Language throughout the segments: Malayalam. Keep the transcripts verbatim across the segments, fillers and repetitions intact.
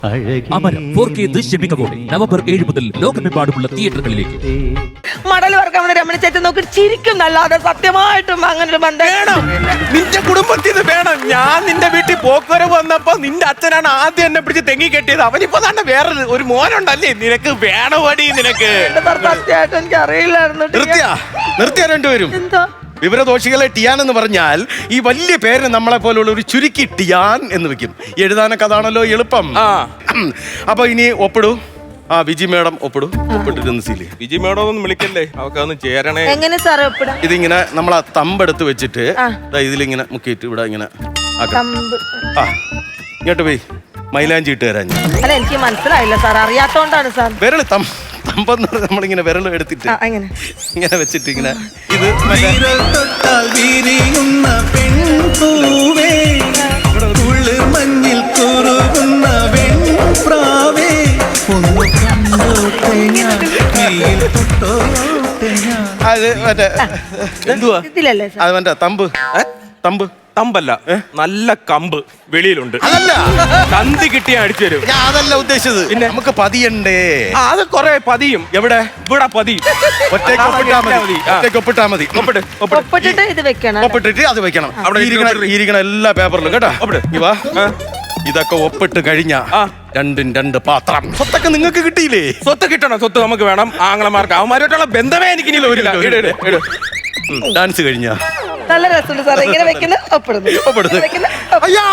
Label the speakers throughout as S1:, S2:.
S1: അമരം ഫോർ കെ ദൃശ്യമികവോടെ നവംബർ ഏഴ് മുതൽ ലോകമെമ്പാടുമുള്ള തിയേറ്ററുകളിലേക്ക്.
S2: മടൽ വർക്കാൻ രമണി ചേച്ചൻ നോക്കി ചിരിക്കും നല്ലാതെ സത്യമായിട്ടും അങ്ങനെ ഒരു ബന്ധം
S3: വേണം. നിന്റെ കുടുംബത്തിൽ നിന്ന് വേണം. ഞാൻ നിന്റെ വീട്ടിൽ പോക്കുവരവ് വന്നപ്പോ നിന്റെ അച്ഛനാണ് ആദ്യം എന്നെ പിടിച്ച് തെങ്ങി കെട്ടിയത്. അവനിപ്പോ തന്നെ വേറെ ഒരു മോനുണ്ടല്ലേ. നിനക്ക് വേണവടി നിനക്ക്.
S2: സത്യമായിട്ട് എനിക്ക് അറിയില്ലായിരുന്നു.
S3: നിർത്തിയ നിർത്തിയ രണ്ടുപേരും
S2: എന്താ
S3: വിവരദോഷികളെ ടിയാൻ എന്ന് പറഞ്ഞാൽ ഈ വലിയ പേരിന് നമ്മളെ പോലുള്ള ഒരു ചുരുക്കി ടിയാൻ എന്ന് വെക്കും. എഴുതാനൊക്കെ അതാണല്ലോ എളുപ്പം. അപ്പൊ ഇനി ഒപ്പിടൂ. ആ വിജി മേഡം ഒപ്പിടൂ. ഒപ്പിട്ടിരുന്ന് സീല്.
S4: വിജി മേഡം ഒന്നും വിളിക്കല്ലേ, അവക്കൊന്ന് ചേരണേ.
S2: എങ്ങനെ സാറേ ഒപ്പിടാം?
S3: ഇതിങ്ങനെ നമ്മൾ ആ തമ്പെടുത്ത് വെച്ചിട്ട് ഇതിലിങ്ങനെ മുക്കിയിട്ട് ഇവിടെ ഇങ്ങനെ ആക്കാം. ആ ഇങ്ങോട്ട് പോയി മൈലാഞ്ചി ഇട്ട് തരാൻ.
S2: അല്ല എനിക്ക് മനസ്സിലായില്ല സാർ, അറിയാത്തോണ്ടാണ് സാർ.
S3: വിരല് തം തമ്പെന്ന് നമ്മളിങ്ങനെ വിരൽ എടുത്തിട്ട് ഇങ്ങനെ വെച്ചിട്ട് ഇങ്ങനെ ഇത്
S5: മഞ്ഞിൽ കുറുകുന്ന വെൺപ്രാവേ
S3: അത് മറ്റേ എന്തുവാ
S2: ഇതിലല്ലേ സാർ?
S3: അത് മറ്റേ തമ്പ് തമ്പ്
S4: തമ്പല്ല, നല്ല കമ്പ് വെളിയിലുണ്ട്.
S3: അതല്ല
S4: കന്തി കിട്ടിയ അടിച്ചു തരും.
S3: ഞാൻ അതല്ല ഉദ്ദേശിച്ചത്. പിന്നെ നമുക്ക് പതിയണ്ടേ.
S4: ആ, അത് കൊറേ പതിയും.
S3: എവിടെ
S4: ഇവിടെ പതിയും.
S3: ഒറ്റയ്ക്ക് ഒപ്പിട്ടാ മതി. ഒറ്റയ്ക്ക് ഒപ്പിട്ടാ മതി. ഒപ്പിട്ട്
S2: ഒപ്പിട്ടിട്ട് ഇത് വെക്കണം.
S3: ഒപ്പിട്ടിട്ട് അത് വെക്കണം. അവിടെ ഇരിക്കണ എല്ലാ പേപ്പറിലും കേട്ടോ. ഇവാ ഇതൊക്കെ ഒപ്പിട്ട് കഴിഞ്ഞ രണ്ടും രണ്ട് പാത്രം. സ്വത്തൊക്കെ നിങ്ങൾക്ക് കിട്ടിയില്ലേ?
S4: സ്വത്ത് കിട്ടണം. സ്വത്ത് നമുക്ക് വേണം. ആങ്ങളമാർക്ക് അവന്മാരുമായിട്ടുള്ള ബന്ധമേ എനിക്ക് ഇനി വരില്ല.
S3: ഡാൻസ് കഴിഞ്ഞ
S2: നല്ല രസമുണ്ട് സാർ. ഇങ്ങനെ വെക്കുന്ന ഒപ്പിടുന്നു.
S3: അയ്യാ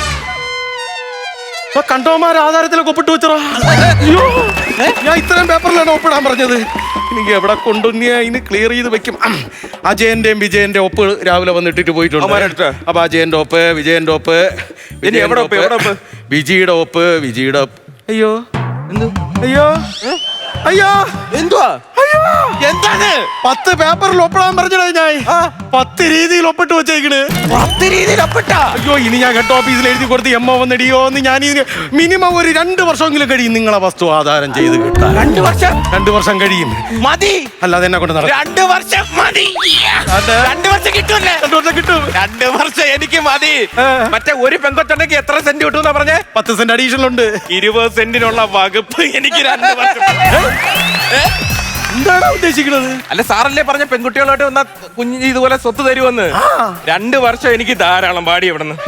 S3: കണ്ടോമാർ ആധാരത്തിലൊക്കെ ഒപ്പിട്ട് വെച്ചറാ. ഞാൻ ഇത്രയും പേപ്പറിലാണ് ഒപ്പിടാൻ പറഞ്ഞത്. എനിക്ക് എവിടെ കൊണ്ടുവന്നിയാ ഇനി ക്ലിയർ ചെയ്ത് വെക്കും. അജയന്റെയും വിജയന്റെ ഒപ്പ് രാവിലെ വന്നിട്ടിട്ട് പോയിട്ടുണ്ട്. അപ്പൊ അജയന്റെ ഒപ്പ്, വിജയന്റെ ഒപ്പ്,
S4: എവിടെ ഒപ്പ്? എവിടെ ഒപ്പ്?
S3: വിജിയുടെ ഒപ്പ്, വിജിയുടെ ഒപ്പ്. അയ്യോ അയ്യോ അയ്യോ
S4: എന്തുവാ?
S3: എന്താണ് പത്ത് പേപ്പറിൽ ഒപ്പിടാൻ പറഞ്ഞത്? ഞാൻ പത്ത് രീതിയിൽ ഒപ്പിട്ട് വെച്ചേക്കണ്.
S4: പത്ത് രീതിയിൽ ഒപ്പിട്ട?
S3: അയ്യോ ഇനി ഞാൻ ഹെഡ് ഓഫീസിൽ എഴുതി കൊടുത്ത് എമ്മ വന്നിടിയോ എന്ന് ഞാൻ മിനിമം ഒരു രണ്ട് വർഷമെങ്കിലും കഴിയും നിങ്ങളെ വസ്തു ആധാരം ചെയ്ത് കിട്ടാൻ.
S4: രണ്ടു വർഷം?
S3: രണ്ടു വർഷം കഴിയും.
S4: മതി.
S3: അല്ലാതെ എന്നെ കൊണ്ട് നടക്കും.
S4: രണ്ടു വർഷം മതി. രണ്ടു വർഷം കിട്ടൂല്ലേ?
S3: രണ്ടു വർഷം കിട്ടും.
S4: രണ്ടു വർഷം എനിക്ക് മതി. മറ്റേ ഒരു പെങ്കൊച്ചുണ്ടെങ്കിൽ എത്ര സെന്റ് കിട്ടും പറഞ്ഞേ?
S3: പത്ത് സെന്റ് അഡീഷണൽ ഉണ്ട്.
S4: ഇരുപത് സെന്റിനുള്ള വകുപ്പ് എനിക്ക് രണ്ട് വർഷം.
S3: എന്താണ് ഉദ്ദേശിക്കുന്നത്?
S4: അല്ല സാറല്ലേ പറഞ്ഞ പെൺകുട്ടികളോട്ട് വന്ന കുഞ്ഞ് ഇതുപോലെ സ്വത്ത് തരുമെന്ന്. രണ്ട് വർഷം എനിക്ക് ധാരാളം പാടി ഇവിടെ നിന്ന്.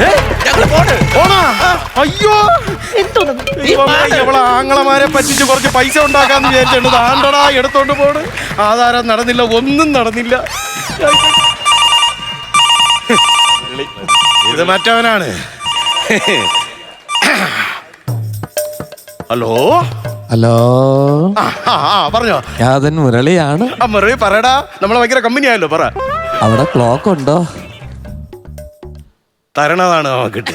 S3: അയ്യോ ഇവളെ ആങ്ങളമാരെ പറ്റിച്ച് കുറച്ച് പൈസ ഉണ്ടാക്കാന്ന് വിചാരിച്ചിട്ടുണ്ട്. ആണ്ടടാ എടുത്തോണ്ട് പോണ്. ആധാരം നടന്നില്ല, ഒന്നും നടന്നില്ല. ഇത് മറ്റവനാണ്. ഹലോ
S6: ഹലോ
S3: പറഞ്ഞോ.
S6: ഞാൻ മുരളിയാണ്.
S3: ആ മുരളി പറയടാ. നമ്മളെ ഭയങ്കര കമ്പനി ആയല്ലോ. പറ.
S6: അവിടെ ക്ലോക്ക് ഉണ്ടോ?
S3: തരണതാണ് കിട്ടി.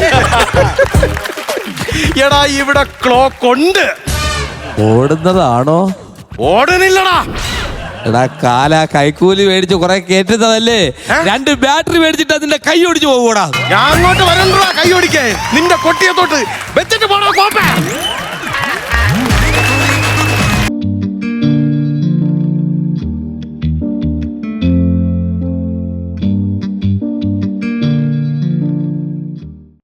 S3: എടാ ഇവിടെ ക്ലോക്ക് ഉണ്ട്.
S6: ഓടുന്നതാണോ?
S3: ഓടുന്നില്ലടാ.
S6: എടാ കാല കൈക്കൂലി മേടിച്ച് കുറെ കേറ്റുന്നതല്ലേ. രണ്ട് ബാറ്ററി മേടിച്ചിട്ട് അതിന്റെ കൈ ഓടിച്ചു പോകൂടാ.
S3: ഞാൻ അങ്ങോട്ട് വരണ്ടാ കൈ ഓടിക്കേ. നിന്റെ കൊട്ടിയത്തോട്ട് വെച്ചിട്ട് പോണോ കോപ്പ.